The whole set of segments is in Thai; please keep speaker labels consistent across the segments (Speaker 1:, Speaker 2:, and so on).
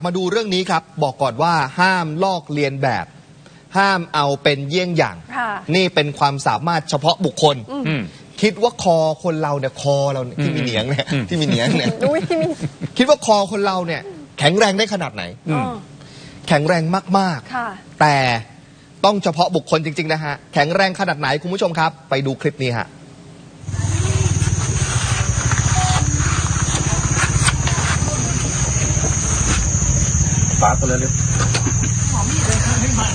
Speaker 1: มาดูเรื่องนี้ครับบอกก่อนว่าห้ามลอกเลียนแบบห้ามเอาเป็นเยี่ยงอย่างนี่เป็นความสามารถเฉพาะบุคคลคิดว่าคอคนเราเนี่ยคอเราเนี่ยที่มีเหนียงเนี่ยที่มีเหนียงเนี่ยคิดว่าคอคนเราเนี่ยแข็งแรงได้ขนาดไหนแข็งแรงมากๆแต่ต้องเฉพาะบุคคลจริงๆนะฮะแข็งแรงขนาดไหนคุณผู้ชมครับไปดูคลิปนี้ฮะ
Speaker 2: ฝาตัวเล็กหอมมีดเลยค่ะไม่มา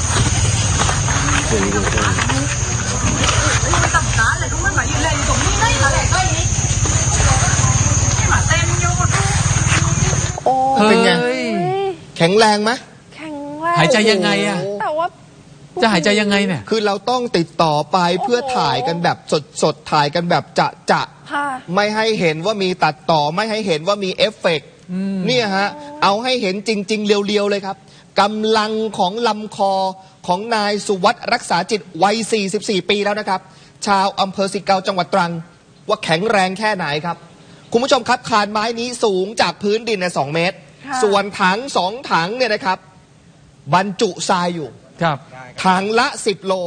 Speaker 2: ต่ำตาเลยทุกคนมายืนเลยตรงนี้ได้มาเลยก็อย่างนี้ไม่มาเต็มอยู่
Speaker 1: โอ้เป็นไงแข็งแรงไหม
Speaker 3: แข็งแรง
Speaker 4: หายใจยังไงอะ
Speaker 3: แต่ว่า
Speaker 4: จะหายใจยังไงเนี่ย
Speaker 1: คือเราต้องติดต่อไปเพื่อถ่ายกันแบบสดๆถ่ายกันแบบจะไม่ให้เห็นว่ามีตัดต่อไม่ให้เห็นว่ามีเอฟเฟกต์เนี่ยฮะเอาให้เห็นจริงๆเรียวๆเลยครับกำลังของลำคอของนายสุวัสดิ์รักษาจิตวัย44 ปีแล้วนะครับชาวอำเภอสิเกาจังหวัดตรังว่าแข็งแรงแค่ไหนครับคุณผู้ชมครับคานไม้นี้สูงจากพื้นดินใน2 เมตรส่วนถัง2 ถังเนี่ยนะครับบรรจุทรายอยู่ถังละ10 โล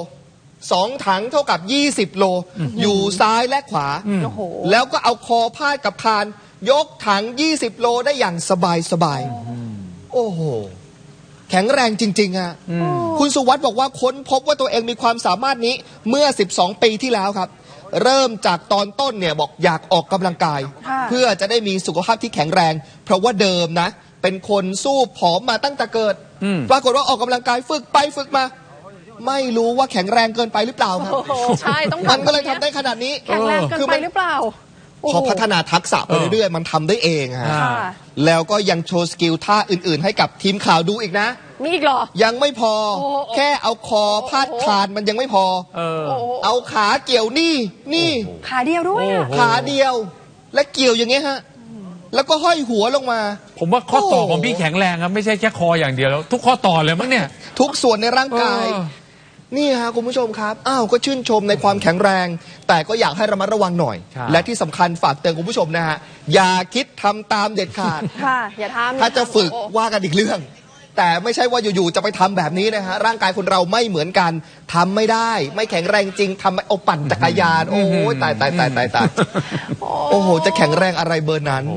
Speaker 1: 2 ถังเท่ากับ20 โลอยู่ซ้ายและขวาแล้วก็เอาคอพาดกับคานยกถัง20 โลได้อย่างสบายโอ้โหแข็งแรงจริงๆฮะคุณสุวัสดิ์บอกว่าค้นพบว่าตัวเองมีความสามารถนี้เมื่อ12 ปีที่แล้วครับเริ่มจากตอนต้นเนี่ยบอกอยากออกกำลังกายเพื่อจะได้มีสุขภาพที่แข็งแรงเพราะว่าเดิมนะเป็นคนสู้ผอมมาตั้งแต่เกิดปรากฏว่าออกกำลังกายฝึกไปฝึกมาไม่รู้ว่าแข็งแรงเกินไปหรือเปล่าครับ
Speaker 3: ใช่ต้อง
Speaker 1: มันก็เลยทำได้ขนาดนี้
Speaker 3: แข็งแรงเกินไปหรือเปล่า
Speaker 1: พอพัฒนาทักษะไปเรื่อยๆมันทำได้เองฮะแล้วก็ยังโชว์สกิลท่าอื่นๆให้กับทีมข่าวดูอีกนะ
Speaker 3: มีอีกเหรอ
Speaker 1: ยังไม่พอแค่เอาคอพาดคานมันยังไม่พอเอาขาเกี่ยวนี่
Speaker 3: ขาเดียวด้วย
Speaker 1: ขาเดียวและเกี่ยวอย่างเงี้ยฮะแล้วก็ห้อยหัวลงมา
Speaker 4: ผมว่าข้อต่อของพี่แข็งแรงครับไม่ใช่แค่คออย่างเดียวแล้วทุกข้อต่อเลยมั้งเนี่ย
Speaker 1: ทุกส่วนในร่างกายนี่ฮะคุณผู้ชมครับก็ชื่นชมในความแข็งแรงแต่ก็อยากให้ระมัดระวังหน่อยและที่สำคัญฝากเตือนคุณผู้ชมนะฮะอย่าคิดทำตามเด็ดขาด
Speaker 3: อย่าทำ
Speaker 1: ถ้าจะฝึกว่ากันอีกเรื่องแต่ไม่ใช่ว่าอยู่ๆจะไปทำแบบนี้นะฮะร่างกายคนเราไม่เหมือนกันทำไม่ได้ไม่แข็งแรงจริงทำเอาปั่นจักรยานโอ้ยตายโอ้โหจะแข็งแรงอะไรเบอร์นั้น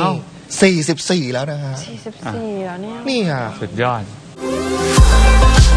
Speaker 1: นี่44แล้วนะฮะ
Speaker 3: 44แล้วเนี่ย
Speaker 1: นี่ฮะ
Speaker 4: สุดยอด